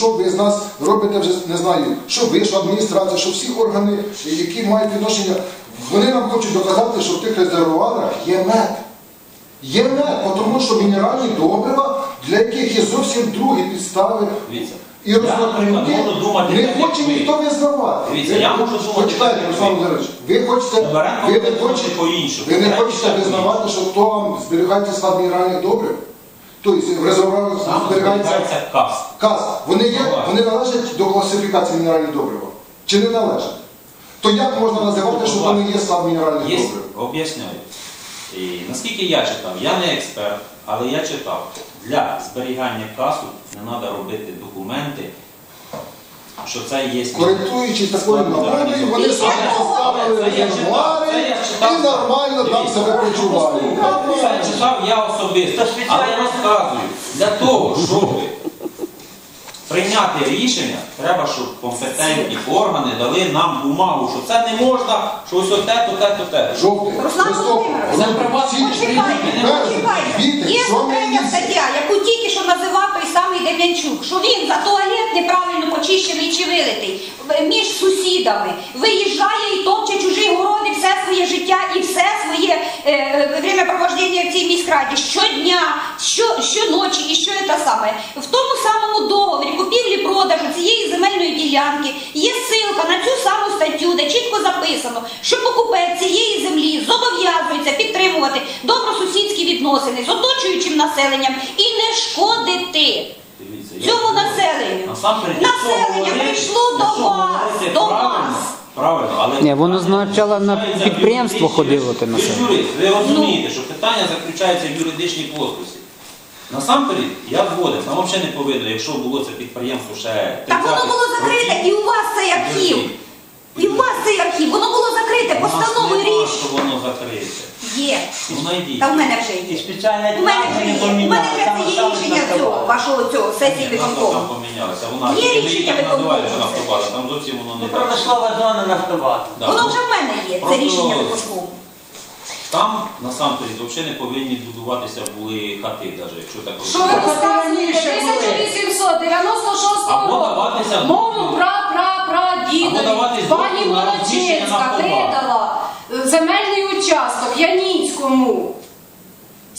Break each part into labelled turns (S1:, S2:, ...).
S1: Що ви з нас робите вже, не знаю, що ви, що адміністрація, що всі органи, які мають відношення, вони нам хочуть доказати, що в тих резервуарах є мед. Є мед, тому що мінеральні добрива, для яких є зовсім другі підстави. І розрахунки не хоче ніхто визнавати.
S2: Дивіться, я можу думати,
S1: почитайте, Руслан Володимирович, ви не хочете визнавати, що хто вам зберігається склад мінеральних добрив? Тобто в резервуарах зберігається КАС. Вони належать до класифікації мінеральних добрив? Чи не належать? То як можна називати, що це не є склад мінеральних добрив?
S2: Об'ясняю. Наскільки я читав, я не експерт, але я читав, для зберігання касу не треба робити документи, що це є...
S1: Коректуючи такою нормою, вони собі поставили резервуари і нормально там себе почувають.
S2: Це читав я особисто, але розказую, для того, щоб прийняти рішення, треба, щоб компетентні органи дали нам бумагу, що це не можна, що ось те.
S1: Жовтий, листопад,
S3: Є третя стаття, яку тільки що називав той самий Дем'янчук, що він за туалет неправильно почищений чи вилитий між сусідами, виїжджає і топче чужі городи все своє життя і все своє времяпровождення в цій міськраді щодня, щоночі і що це саме. В тому самому договорі купівлі-продажу цієї земельної ділянки є ссылка на цю саму статтю, де чітко записано, що покупець цієї землі зобов'язується підтримувати добросусідські відносини з оточуючим населенням і не шкодити цьому населенню. Населення прийшло до вас.
S2: Правильно, але...
S4: Ні, воно спочатку на підприємство ходило.
S2: Ви розумієте, що питання заключається в юридичній плоскості. Насамперед, я згоден, нам взагалі не повинно, якщо було це підприємство ще...
S3: Так воно було закрите, і у вас цей архів. І у вас цей архів, воно було закрите, постановою рішення.
S2: що воно закрите.
S3: Є.
S2: Воно йдіть.
S3: Та в мене вже є. У мене вже є. У мене вже це є рішення цього, вашого сесії виконкому.
S2: Там помінялося. Вона,
S3: є рішення виконкому.
S2: Там зовсім воно не так.
S5: Промислова зона Нафтобаза.
S3: Воно вже в мене є, це рішення виконкому.
S2: Там, насамперед, взагалі не повинні будуватися були хати, навіть, якщо так
S6: Що ви розказуєте? 1896 року мову прапрадідові пані Молочинська передала земельний участок Яніцькому з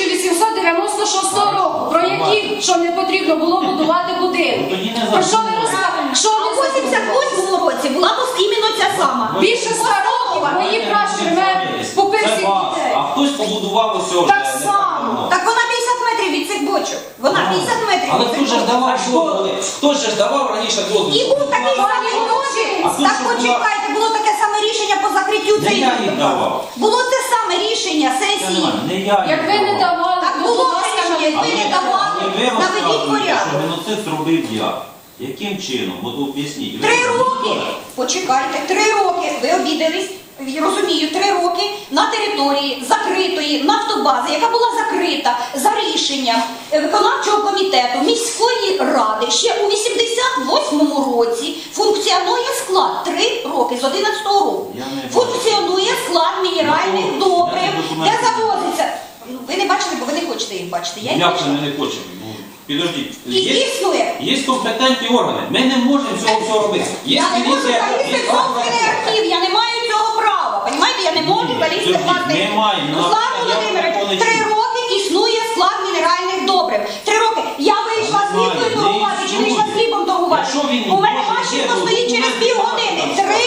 S6: 1896 року, про які, що не потрібно було будувати будинки. Про що ви розказуєте? Що
S3: А
S6: ви
S3: в 88 році була іменно ця сама.
S6: більше 100 років мої пращури купив всіх дітей.
S2: А хтось побудував ось
S6: Так само.
S3: Так вона 50 метрів від цих бочок. Вона 50 метрів
S2: але
S3: від
S2: хто
S3: цих
S2: ж
S3: бочок.
S2: давав дозволи? Хто ж давав раніше дозвіл?
S3: І був такий самий дозвіл. Так почекайте, було таке саме рішення по закриттю
S2: Не
S3: цієї.
S2: я їх давав.
S3: Було те саме рішення сесії.
S2: Не я
S6: Як ви не давали,
S3: Так
S6: то,
S3: було
S6: будь ласка,
S3: рішення, як ви не давали, наведіть порядок.
S2: Що геноцид зробив я. Яким чином? От об'ясніть.
S3: 3 роки, почекайте, 3 роки, ви обідались, розумію, 3 роки на території закритої нафтобази, яка була закрита за рішенням виконавчого комітету міської ради. Ще у 88-му році функціонує склад 3 роки з 11-го року. Функціонує склад мінеральних добрив, де завозиться. Ви не бачите, бо ви не хочете їх бачити. Я
S2: Як це ми не хочемо? Підождіть.
S3: І існує.
S2: Є компетентні органи. Ми не можемо цього всього робити.
S3: Я не можу залізти в собственний архів, я не маю цього права. Понімаєте, я не можу залізти в власний. Руслан Володимирович, 3 роки існує склад мінеральних добрив. 3 роки. Я вийшла з хлібкою торгувати, чи вийшла з хлібом торгувати. У мене машинка стоїть через півгодини.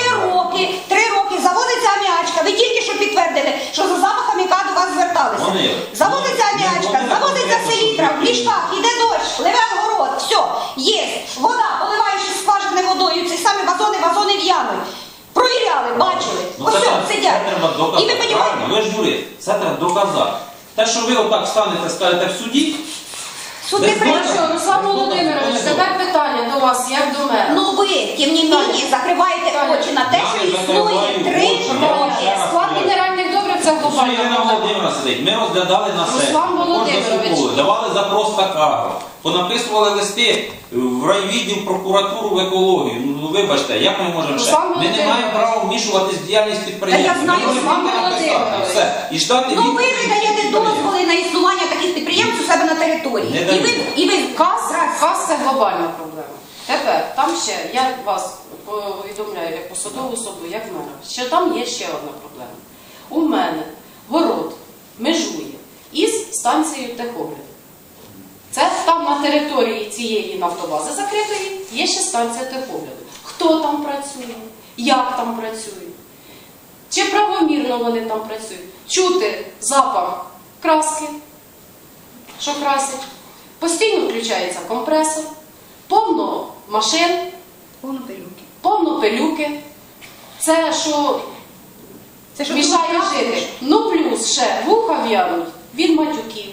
S3: 3 роки заводиться аміачка. Ви тільки що підтвердили, що за запахом яка до вас зверталися. Заводиться аміачка, заводиться селітра, в ліжках, іде дощ, ливе город, все, є. Вода, поливаєш із скважини водою, ці самі вазони в'януть. Провіряли, бачили. Ось все, сидять. І ви розумієте?
S2: Ви ж юрист, це треба доказати. Те, що ви отак станете, скажете в суді,
S3: Суд не прийшов.
S6: Хорошо, Руслан Володимирович, тепер питання до вас, як до мене.
S3: Ну ви, тим не менше, закриваєте очі на те, що існує 3 роки.
S6: Склад мінеральних добрив це
S2: Ось Ірина Володимирівна сидить, ми розглядали на сесії,
S6: Руслан
S2: також
S6: Володимирович.
S2: заслуховували, давали запрос Такару, понаписували листи в райвідділ, прокуратуру, в екологію. Ну вибачте, як ми можемо ще?
S6: Руслан
S2: Ми не
S6: Володимирович.
S2: маємо права вмішуватись в діяльність підприємства.
S3: Та я знаю,
S2: Ми можемо
S6: Руслан
S2: тільки написати,
S6: Володимирович.
S2: все. І ждати
S3: Ну ви
S2: відповіді
S3: не даєте
S2: підприємства.
S3: дозволи на існування таких підприємств у себе на території.
S2: Не
S3: І
S2: даю.
S3: ви
S6: Каз це глобальна проблема. Тепер, там ще, я вас повідомляю як посадову особу, як мера, що там є ще одна проблема. У мене город межує із станцією техогляду. Це там на території цієї нафтобази закритої є ще станція техогляду. Хто там працює, як там працює, чи правомірно вони там працюють. Чути запах краски, що красить. Постійно включається компресор, повно машин,
S3: повно пилюки.
S6: повно пилюки. Це що
S3: Це що
S6: мішає
S3: тут
S6: жити. Ну плюс ще вуха в'януть від матюків,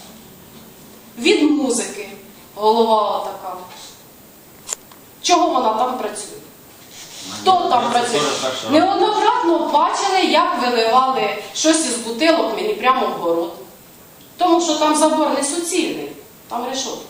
S6: від музики. Голова така. Чого вона там працює? Хто там
S2: Це
S6: працює?
S2: теж так, що-
S6: Неоднократно бачили, як виливали щось із бутилок мені прямо в город. Тому що там забор не суцільний, там решетка.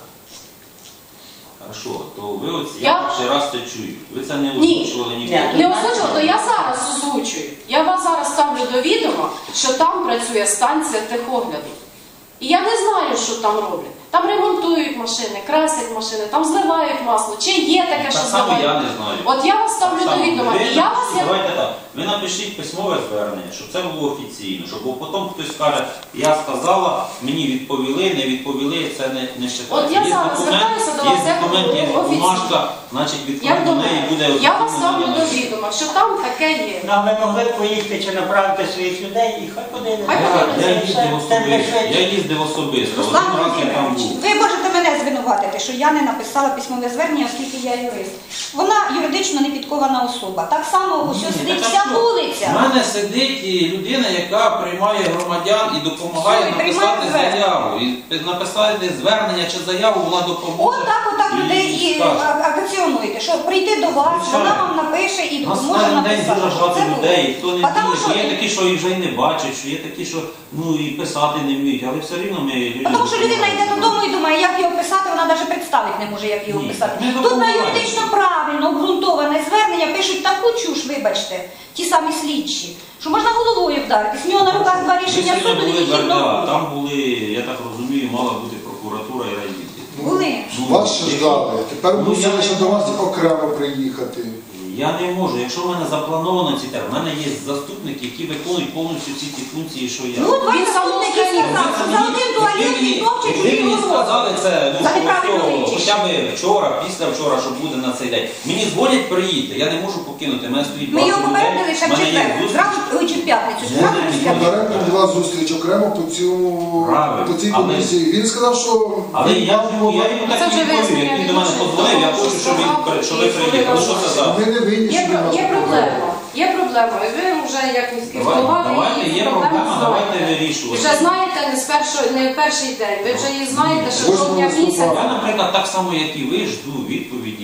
S2: Хорошо, то ви оці,
S6: Я-
S2: я перший раз це чую. Ви це не
S6: Ні.
S2: озвучували
S5: Ні.
S2: ніколи.
S6: Не озвучила, то я зараз озвучую. Я вас зараз ставлю до відома, що там працює станція техогляду. І я не знаю, що там роблять. Там ремонтують машини, красять машини, там зливають масло. Чи є таке,
S2: Так
S6: що
S2: само
S6: зливають?
S2: я не знаю.
S6: От я вас ставлю
S2: Так
S6: до
S2: само.
S6: відома.
S2: Ви
S6: І я вас
S2: напишіть,
S6: як
S2: давайте так. Ви напишіть письмове звернення, щоб це було офіційно, щоб потім хтось скаже, я сказала, мені відповіли, не відповіли, це не вважається.
S6: От я зараз звертаюся до вас
S2: є
S6: як
S2: документ, є
S6: офіційно.
S2: бумажка, значить
S6: як
S2: відповідь
S6: до
S2: до неї
S6: мене.
S2: буде
S6: Я вас
S2: офіційно
S6: ставлю до
S2: надана.
S6: відома, що там таке є.
S5: Ну, а ви могли б поїхати чи направити своїх людей і хай подивляться.
S6: Хай подивляться.
S2: Я їздив особисто, я їздив особисто,
S3: Руслан
S2: один раз я там
S3: Володимирович,
S2: був.
S3: ви можете мене звинуватити, що я не написала письмове звернення, оскільки я юрист. Вона юридично не підкована особа. Так само ось
S2: Ні,
S3: сидить
S2: так
S3: вся
S2: а що?
S3: вулиця.
S2: У мене сидить людина, яка приймає громадян і допомагає
S3: Що, і приймає
S2: написати
S3: звернення?
S2: заяву. І написати звернення чи заяву, вона допоможе.
S3: Отак людей і
S2: скаже.
S3: акціонуєте, що прийти до вас,
S2: Звичайно.
S3: вона вам напише і
S2: У нас
S3: допоможе
S2: кожен день
S3: написати.
S2: дуже багато
S3: Це було.
S2: людей, і хто не
S3: А тому
S2: вміє, що є
S3: що-
S2: такі, що і вже й не бачать, що є такі, що ну і писати не вміють, але все рівно ми людям
S3: Тому що людина йде
S2: допомагаємо.
S3: додому і думає, як його писати, вона навіть представити не може, як його
S2: Ні,
S3: писати.
S2: ми
S3: Тут на
S2: допомагаємо.
S3: юридично правильно, обґрунтоване звернення пишуть таку чуш, вибачте, ті самі слідчі, що можна головою вдаритись. В нього на руках два
S2: Ми
S3: рішення
S2: сьогодні
S3: суду
S2: були
S3: і
S2: в РДА,
S3: одного.
S2: там були, я так розумію, мала бути прокуратура і райвідділ.
S3: Були.
S1: Вас ще ждали. Тепер
S2: Ну,
S1: мусили
S2: я
S1: ще
S2: не
S1: до вас
S2: можу.
S1: окремо приїхати.
S2: Я не можу. Якщо в мене заплановано ці терміни, в мене є заступники, які виконують повністю всі ці функції, що я.
S3: Ну, два
S6: Він
S3: заступники
S6: самоустранений.
S3: сказав, що за один туалет і топче
S2: Ви
S3: чужі
S2: мені
S3: городи.
S2: сказали це
S3: За неправильну річ.
S2: хоча б вчора, після-вчора, що буде на цей день. Мені дзвонять приїдьте, я не можу покинути, в мене стоїть
S3: Ми його
S2: багато людей,
S3: попередили ще в
S2: в мене є
S3: четвер,
S2: зустріч.
S3: зразу чи в п'ятницю,
S2: Ні,
S3: зразу
S2: ні, ні.
S3: після.
S1: Попередньо була зустріч окремо
S2: Правильно.
S1: по цій
S2: Але-
S1: комісії. Він сказав, що
S2: Але
S1: він
S2: я
S1: мав
S2: йому так і
S6: Це вже
S2: відповів, як він до мене
S6: вияснення
S2: подзвонив, я
S6: відношень
S2: хочу, щоб ви приїхали. Що це за?
S1: Ми не винні, що він нас
S6: Є проблема. Є проблема. І ви вже як міський голова, ви
S2: Давайте,
S6: її
S2: є
S6: цю
S2: проблема,
S6: проблему
S2: давайте
S6: знаєте.
S2: вирішувати.
S6: Вже знаєте не перший день. Ви вже її знаєте, що
S1: Восьмого
S6: жовтня місяця.
S1: листопада.
S2: Я, наприклад, так само, як і ви, жду відповіді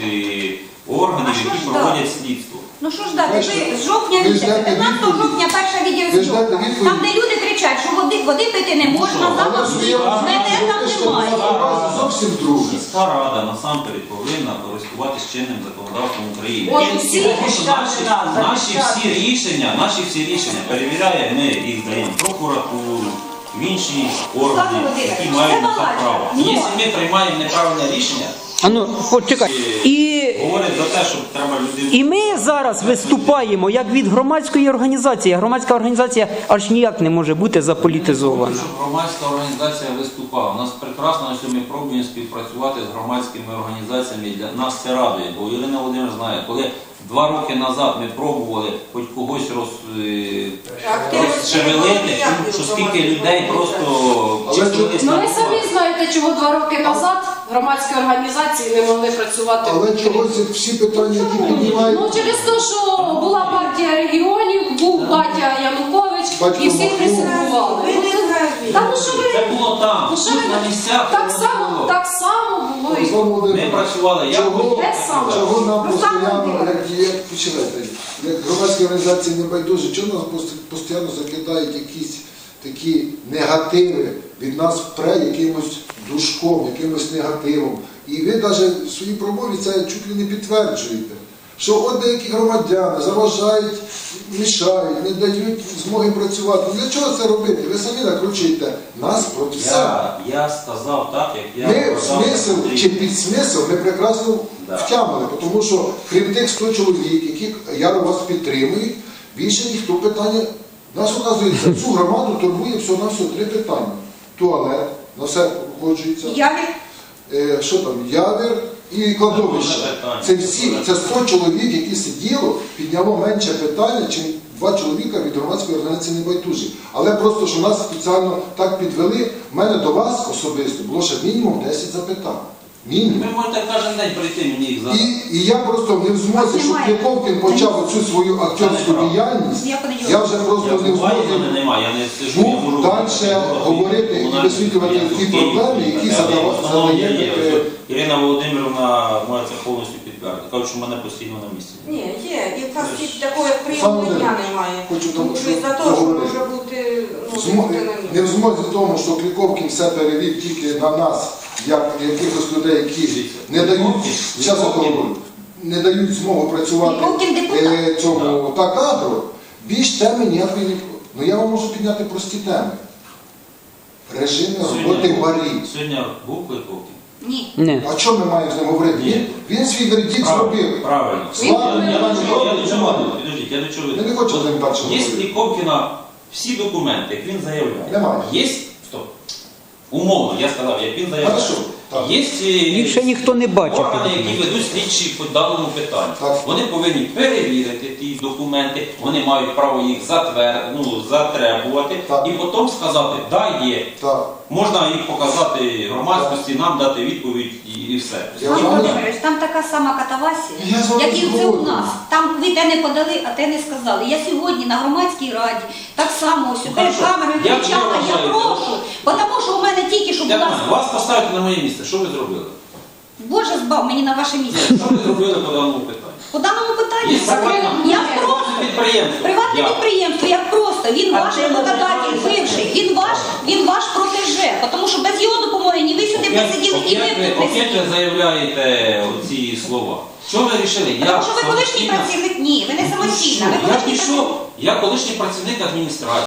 S2: від органів,
S3: А що
S2: які
S3: ж
S2: проводять слідство.
S3: Ну що ж дати,
S1: Бачите,
S3: ви з жовтня
S1: ви
S3: місяця,
S1: ждете
S3: 15
S1: відповіді.
S3: жовтня перша
S1: Ви
S3: відеозйомка.
S1: ждете відповіді.
S3: Там, де люди кричать, що води пити не можна,
S2: що,
S3: запах
S1: Але ж
S3: слід,
S1: я
S3: мене там немає.
S1: зовсім друге.
S2: Міська рада насамперед повинна користуватися чинним законодавством України.
S6: От
S2: І
S6: усі
S2: тому що наші всі рішення перевіряє, ми їх даємо в прокуратуру, в інші органи, які
S3: Володимирович,
S2: мають
S3: це
S2: на це
S3: балачка.
S2: право.
S3: Ну.
S2: Якщо ми приймаємо неправильне рішення,
S4: А ну, почекай. І,
S2: говорить за те, що треба людей.
S4: і ми зараз виступаємо як від громадської організації. Громадська організація аж ніяк не може бути заполітизована.
S2: Щоб громадська організація виступала. У нас прекрасно, що ми пробуємо співпрацювати з громадськими організаціями. Для нас це радує, бо Ірина Володимирівна знає, коли 2 роки назад ми пробували хоч когось розшевелити, що скільки людей просто числились
S6: Ну
S2: на
S6: ви самі знаєте, чого 2 роки назад громадські організації не могли працювати.
S1: Але чогось всі питання, які піднімають,
S6: Ну через те, що була партія регіонів, був батя Янукович
S1: Батько
S6: і всіх
S1: Махно.
S6: присягували. Та ну що ви?
S2: Це було там,
S6: Ну що
S2: тут
S6: ви?
S2: на місцях.
S6: Так
S2: воно
S6: само,
S2: було.
S6: так само було і
S1: Руслан
S2: Ми
S1: Володимирович,
S2: працювали, як
S1: Чого?
S2: хотіли,
S6: Те
S2: так і
S6: саме.
S2: робили.
S1: чого нам
S3: Ну, саме
S1: постійно,
S3: дивно.
S1: як починайте, як громадські організації не байдужі, чого нас постійно закидають якісь такі негативи, від нас впре якимось душком, якимось негативом. І ви навіть в своїй промові це чуть ли не підтверджуєте, що от деякі громадяни заважають, мішають, не дають змоги працювати. Для чого це робити? Ви самі накручуєте нас проти себе.
S2: Я сказав так, як я
S1: Ми
S2: казав,
S1: смисл
S2: Андрій.
S1: чи підсмисл ми прекрасно
S2: Да.
S1: втямили, тому що крім тих 100 чоловік, які яро вас підтримують, більше ніхто питання. Нас, оказується, цю громаду турбує всього-навсього 3 питання. Туалет, на все погоджується.
S3: Яві.
S1: Що там, явір і кладовище. Це всі, це 100 чоловік, які сиділо, підняло менше питання, чим 2 чоловіка від громадської організації небайдужі. Але просто, що нас спеціально так підвели, в мене до вас особисто було ще мінімум 10 запитань. Мінімум.
S2: Ви можете кожен день прийти мені їх задати.
S1: І я просто не в змозі, щоб Кліковкін почав оцю свою акторську діяльність, я вже просто
S2: Я
S1: не в
S2: буваю, мене
S1: змозі
S2: немає, я не сижу, я можу
S1: далі говорити і висвітлювати ті проблеми, які задає.
S2: Ірина Володимирівна може це повністю підтвердити. Кажуть, що в мене постійно на місці.
S7: Ні, є. І в нас і такого як прийомного дня немає.
S1: Хочу
S7: Тому що із-за того, що може бути, ну, бути на
S1: Не в
S7: місці.
S1: змозі тому, що Кліковкін все перевів тільки на нас, як якихось людей, які не дають, зараз я говорю, не дають змогу працювати
S3: Кліковкін депутат.
S1: цьому та кадру, більш теми ніякої не... Ну я вам можу підняти прості теми. Режими роботи барів.
S2: Сьогодні був Кликовкін?
S3: Ні.
S4: Ні.
S1: А що ми маємо з ним говорити?
S2: Ні.
S1: Він свій вердикт зробив.
S2: Правильно.
S1: Слава,
S2: Я
S1: Іван
S2: до чого
S1: Іванович,
S2: веду? Підождіть, я до чого веду?
S1: Я не хочу з ним далі
S2: Є
S1: говорити.
S2: Кліковкіна всі документи, як він заявляє.
S1: Немає.
S2: Є, стоп. Умовно, я сказав, як він заявляє.
S1: Хорошо, так.
S2: Є
S4: Їх ще ніхто не бачив.
S2: органи, які ведуть слідчі по даному питанню.
S1: Так.
S2: Вони повинні перевірити ті документи, вони мають право їх затребувати
S1: Так.
S2: і потім сказати, да, є.
S1: Так.
S2: Можна їх показати громадськості, нам дати відповідь і все.
S1: Я
S3: Пан
S1: знаю.
S3: Володимирович, там така сама катавасія,
S1: Я з вами
S3: як і це у
S1: згоден.
S3: нас. Там ви те не подали, а те не сказали. Я сьогодні на громадській раді так само ось перед
S2: хорошо.
S3: камерою
S2: Як ви
S3: кричала, я
S2: вважаєте?
S3: прошу, тому що у мене тільки що
S2: Як
S3: була...
S2: мене? Вас поставити на моє місце, що ви зробили?
S3: Боже збав мені на ваше місце.
S2: Що ви зробили по даному питанню?
S3: По даному питанню,
S2: Є приватне
S3: я просто...
S2: підприємство.
S3: Приватне
S2: Я.
S3: підприємство, як просто, він
S2: А
S3: ваш
S2: чим ви
S3: роботодатель
S2: займаєтесь?
S3: бивший, він ваш протеже, тому що без його допомоги ні ви сюди не сиділи, і ви б тут не
S2: Опять
S3: сиділи.
S2: ви заявляєте оці слова. Що ви вирішили?
S3: Тому що ви колишній працівник, ні, ви не самостійна, ви
S2: Я
S3: колишній працівник.
S2: пішов, я колишній працівник адміністрації.